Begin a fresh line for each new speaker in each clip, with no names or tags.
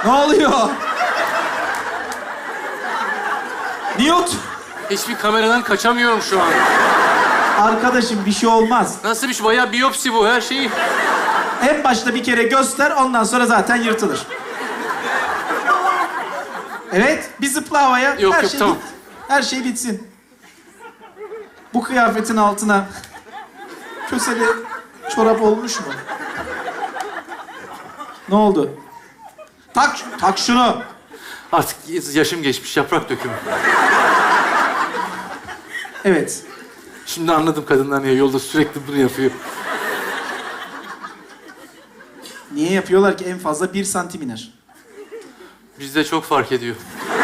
Ne oluyor? Newt!
Hiçbir kameradan kaçamıyorum şu an.
Arkadaşım bir şey olmaz.
Nasıl bir şey? Bayağı biyopsi bu her şeyi.
En başta bir kere göster, ondan sonra zaten yırtılır. Evet, bir zıpla havaya.
Yok, yok, tamam.
Her şey bitsin. Bu kıyafetin altına köseli çorap olmuş mu? Ne oldu? Tak şunu.
Artık yaşım geçmiş, yaprak dökümü.
Evet.
Şimdi anladım kadınlar niye yolda sürekli bunu yapıyor.
Niye yapıyorlar ki? En fazla 1 santim iner.
Bizde çok fark ediyor.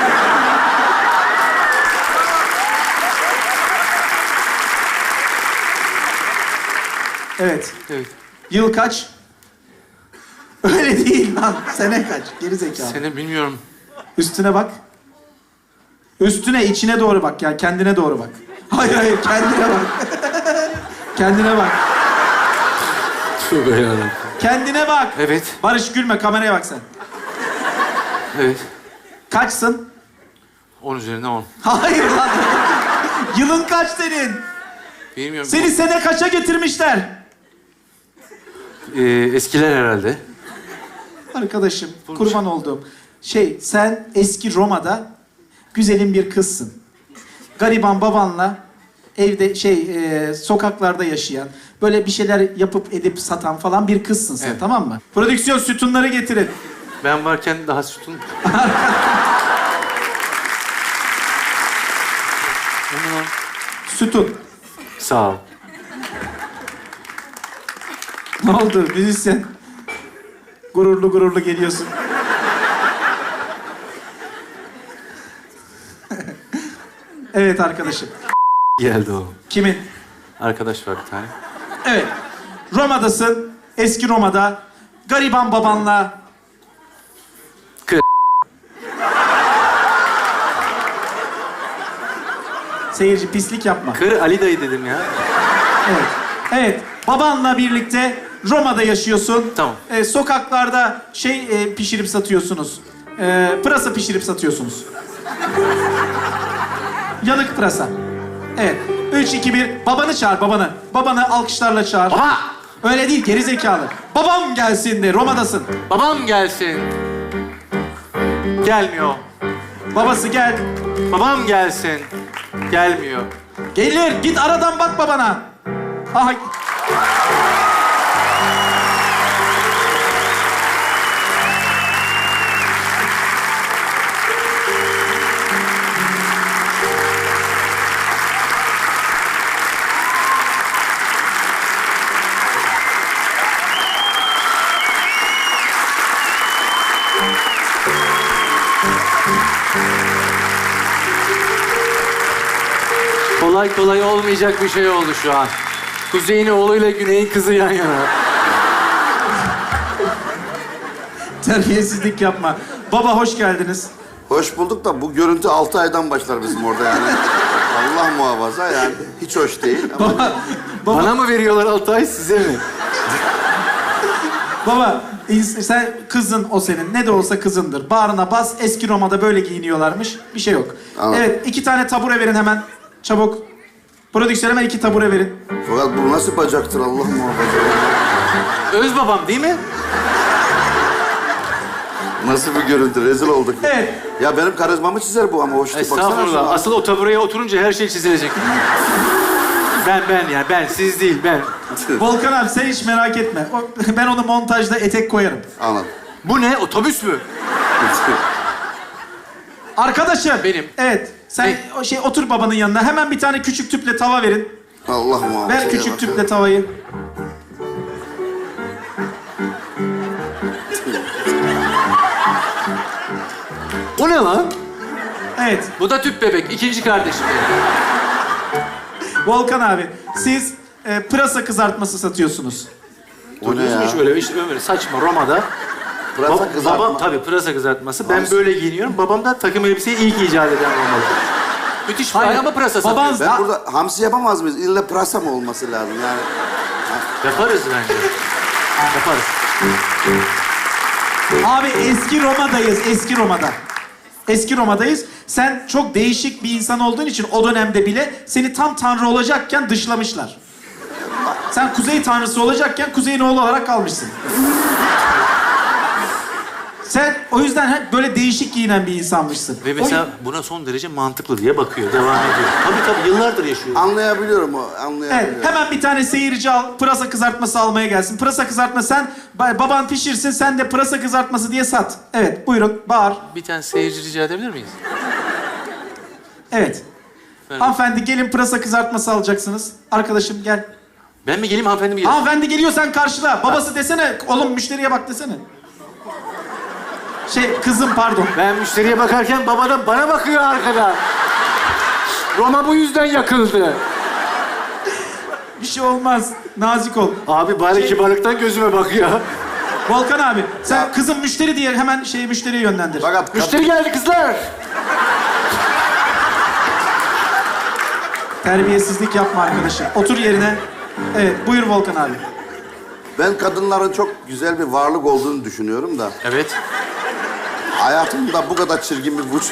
Evet.
Evet.
Yıl kaç? Öyle değil lan. Sene kaç? Geri zekalı.
Seni bilmiyorum.
Üstüne bak. Üstüne, içine doğru bak. Yani kendine doğru bak. Hayır, kendine bak. Kendine bak.
Tövbe yarabbim.
Kendine bak.
Evet.
Barış gülme, kameraya bak sen.
Evet.
Kaçsın?
10 üzerinden 10.
Hayır lan. Yılın kaç senin?
Bilmiyorum.
Seni sene kaça getirmişler?
Eskiler herhalde.
Arkadaşım, kurban olduğum. Sen eski Roma'da güzelim bir kızsın. Gariban babanla evde sokaklarda yaşayan, böyle bir şeyler yapıp edip satan falan bir kızsın sen,
Evet.
tamam mı? Prodüksiyon sütunları getirin.
Ben varken daha sütun...
Sütun.
Sağ ol.
Ne oldu müzisyen? Gururlu gururlu geliyorsun. Evet arkadaşım.
Geldi o.
Kimin?
Arkadaş var bir tane.
Evet. Roma'dasın. Eski Roma'da. Gariban babanla.
Kır.
Seyirci pislik yapma.
Kır Ali dayı dedim ya.
Evet. Evet. Babanla birlikte Roma'da yaşıyorsun.
Tamam.
Sokaklarda pişirip satıyorsunuz. Pırasa pişirip satıyorsunuz. Yanık pırasa. Evet. 3, 2, 1. Babanı çağır, babanı. Babanı alkışlarla çağır.
Baba!
Öyle değil, geri zekalı. Babam gelsin de, Roma'dasın.
Babam gelsin. Gelmiyor.
Babası gel.
Babam gelsin. Gelmiyor.
Gelir, git aradan bak babana. Aha.
Kolay kolay olmayacak bir şey oldu şu an. Kuzey'in oğluyla Güney'in kızı yan yana.
Terbiyesizlik yapma. Baba hoş geldiniz.
Hoş bulduk da bu görüntü 6 aydan başlar bizim orada yani. Allah muhafaza yani hiç hoş değil ama
Bana mı veriyorlar Altay, size mi?
Baba, sen kızın o senin. Ne de olsa kızındır. Bağrına bas. Eski Roma'da böyle giyiniyorlarmış. Bir şey yok.
Anladım.
Evet, 2 tane tabure verin hemen. Çabuk. Prodüksiyon hemen 2 tabure verin.
fakat bu nasıl bacaktır Allah muhafaza.
Öz babam değil mi?
Nasıl bir görüntü rezil olduk.
Evet.
Ya benim karizmamı çizer bu ama hoşluk baksana.
Estağfurullah.
şuna.
Asıl o tabureye oturunca her şey çizilecek. Ben, siz değil, ben.
Volkan abi sen hiç merak etme. Ben onu montajda etek koyarım.
Anladım.
Bu ne? Otobüs mü?
Arkadaşım.
Benim.
Evet. Sen otur babanın yanına. Hemen bir tane küçük tüple tava verin.
Allah muhafaza.
Ver küçük tüple tavayı.
O ne lan?
Evet.
Bu da tüp bebek, ikinci kardeşim.
Volkan abi, siz pırasa kızartması satıyorsunuz.
O ne
Duydunuz mu
ya?
hiç öyle saçma Roma'da?
Pırasa kızartma.
Babam tabii pırasa kızartması. Ben
Nasıl?
böyle giyiniyorum. Babam da takım elbiseyi ilk icat eden olmalı. Müthiş bir ama pırasa
Baban-
satıyor.
Ben burada hamsi yapamaz mıyız? İlle pırasa mı olması lazım yani?
Yaparız bence. Yaparız.
Abi eski Roma'dayız, eski Roma'da. Eski Roma'dayız. Sen çok değişik bir insan olduğun için o dönemde bile seni tam tanrı olacakken dışlamışlar. Sen kuzey tanrısı olacakken kuzeyin oğlu olarak kalmışsın. Sen o yüzden hep böyle değişik giyinen bir insanmışsın.
Ve mesela buna son derece mantıklı diye bakıyor, devam ediyor. Tabii yıllardır yaşıyor.
Anlayabiliyorum o, anlayabiliyorum.
Evet, hemen bir tane seyirci al, pırasa kızartması almaya gelsin. Pırasa kızartma sen, baban pişirsin, sen de pırasa kızartması diye sat. Evet, buyurun, bağır.
Bir tane seyirci rica edebilir miyiz?
Evet.
Merhaba.
Hanımefendi gelin pırasa kızartması alacaksınız. Arkadaşım gel.
Ben mi geleyim, hanımefendi mi geleyim?
Hanımefendi geliyor, sen karşıla. Babası desene, oğlum müşteriye bak desene. Kızım pardon.
Ben müşteriye bakarken baba da bana bakıyor arkadan. Roma bu yüzden yakıldı.
Bir şey olmaz. Nazik ol.
Abi bari kibarlıktan gözüme bakıyor.
Volkan abi, sen kızım müşteri diye hemen müşteriye yönlendir.
Fakat
Müşteri geldi kızlar.
Terbiyesizlik yapma arkadaşım. Otur yerine. Evet, buyur Volkan abi.
ben kadınların çok güzel bir varlık olduğunu düşünüyorum da.
Evet.
Hayatımda bu kadar çirkin bir vücut.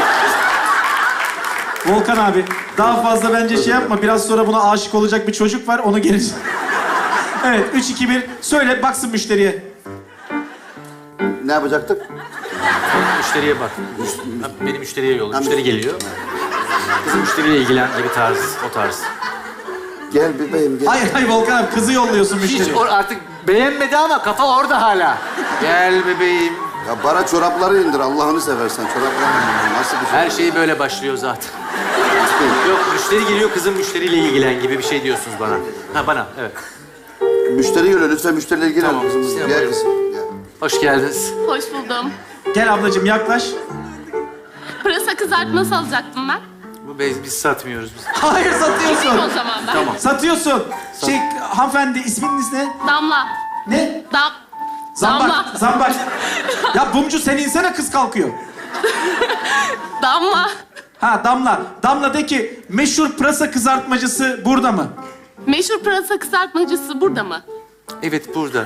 Volkan abi, daha fazla bence şey yapma. Biraz sonra buna aşık olacak bir çocuk var, onu gelir. Evet, 3, 2, 1. Söyle, baksın müşteriye.
Ne yapacaktık?
Müşteriye bak. Beni müşteriye yolla. Müşteri geliyor. Kızım müşteriyle ilgilen gibi tarz, o tarz.
Gel bebeğim gel.
Hayır Volkan abi, kızı yolluyorsun
Hiç
müşteriye.
artık beğenmedi ama kafa orada hala. Gel bebeğim.
Ya bana çorapları indir Allah'ını seversen. Çorapları indir. Nasıl bir şey?
Her şey böyle başlıyor zaten. Yok, müşteri geliyor, kızım müşteriyle ilgilen gibi bir şey diyorsunuz bana. Ha, bana, evet.
Müşteri geliyor lütfen müşteriyle ilgilen.
Tamam,
Kızımız.
Sinem
Gel
buyurun.
kızım. Gel.
Hoş geldiniz.
Hoş buldum.
Gel ablacığım, yaklaş.
Pırasa kızartması alacaktım ben.
Bu biz satmıyoruz biz.
Hayır,
Gideyim
satıyorsun.
o zaman ben.
Tamam.
Satıyorsun. Hanımefendi, isminiz ne?
Damla.
Ne?
Damla.
Zambak, zambak. Ya Bumcu, sen insene, kız kalkıyor.
Damla.
Ha, Damla. Damla de ki, meşhur pırasa kızartmacısı burada mı?
Meşhur pırasa kızartmacısı burada mı?
Evet, burada.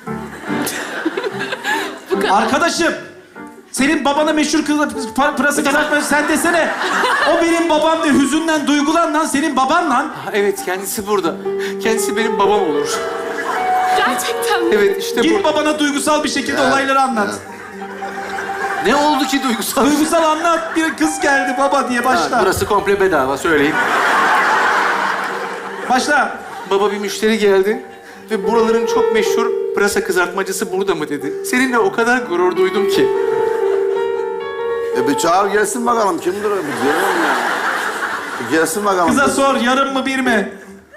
Bu kadar.
Arkadaşım, senin babana meşhur pırasa kızartmacısı sen desene. O benim babam de, hüzünden duygulan lan, senin baban lan.
Ha, evet, kendisi burada. Kendisi benim babam olur.
Gerçekten mi?
Evet, işte
Git
burada.
babana duygusal bir şekilde olayları anlat.
Ne oldu ki duygusal?
Duygusal anlat, bir kız geldi baba diye başla.
Ha, burası komple bedava, söyleyeyim.
Başla.
Baba, bir müşteri geldi ve buraların çok meşhur pırasa kızartmacısı burada mı dedi. Seninle o kadar gurur duydum ki.
Bir çağır gelsin bakalım. Kimdir o? Bir görelim ya. Bir gelsin bakalım.
Kıza sor, yarım mı bir mi?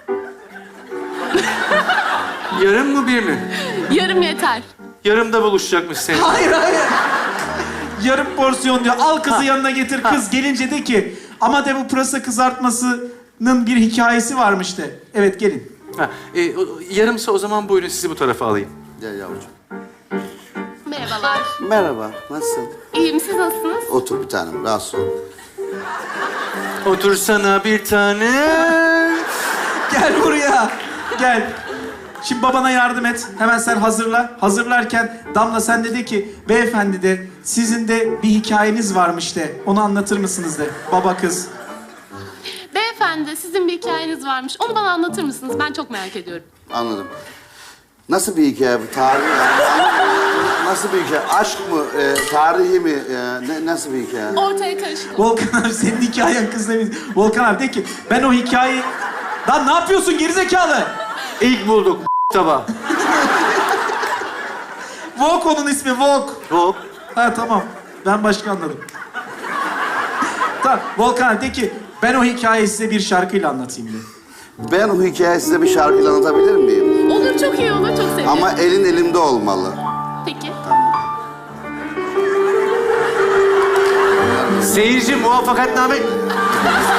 Yarım mı bir mi?
Yarım yeter.
Yarımda buluşacakmış senin.
Hayır. Yarım porsiyon diyor. Al kızı yanına getir. Kız gelince de ki, ama de bu pırasa kızartmasının bir hikayesi varmış de. Evet, gelin.
Ha, yarımsa o zaman buyurun, sizi bu tarafa alayım.
Gel yavrucuğum.
Merhabalar.
Merhaba. Nasılsın?
İyiyim, siz nasılsınız?
Otur bir tanem. Rahatsız ol.
Otursana bir tane.
Gel buraya. Gel. Şimdi babana yardım et. Hemen sen hazırla. Hazırlarken Damla sen de ki, beyefendi de sizin de bir hikayeniz varmış de. Onu anlatır mısınız de. Baba kız.
Beyefendi, sizin bir hikayeniz varmış. Onu bana anlatır mısınız? Ben çok merak ediyorum.
Anladım. Nasıl bir hikaye bu? Tarih nasıl bir hikaye? Aşk mı? Tarihi mi? Nasıl bir hikaye?
Ortaya karışık.
Volkan abi, senin hikayen kız demiş. Volkan abi de ki, ben o hikayeyi... Lan ne yapıyorsun gerizekalı?
İlk bulduk tabağı.
Vok onun ismi, Vok.
Hop.
Ha tamam. Ben başka anladım. Tamam. Volkan abi de ki, ben o hikayeyi size bir şarkıyla anlatayım de.
Ben o hikayeyi size bir şarkıyla anlatabilir miyim?
Olur, çok iyi olur. Çok sevinirim.
Ama elin elimde olmalı.
Peki.
Seyirci muvaffakatname.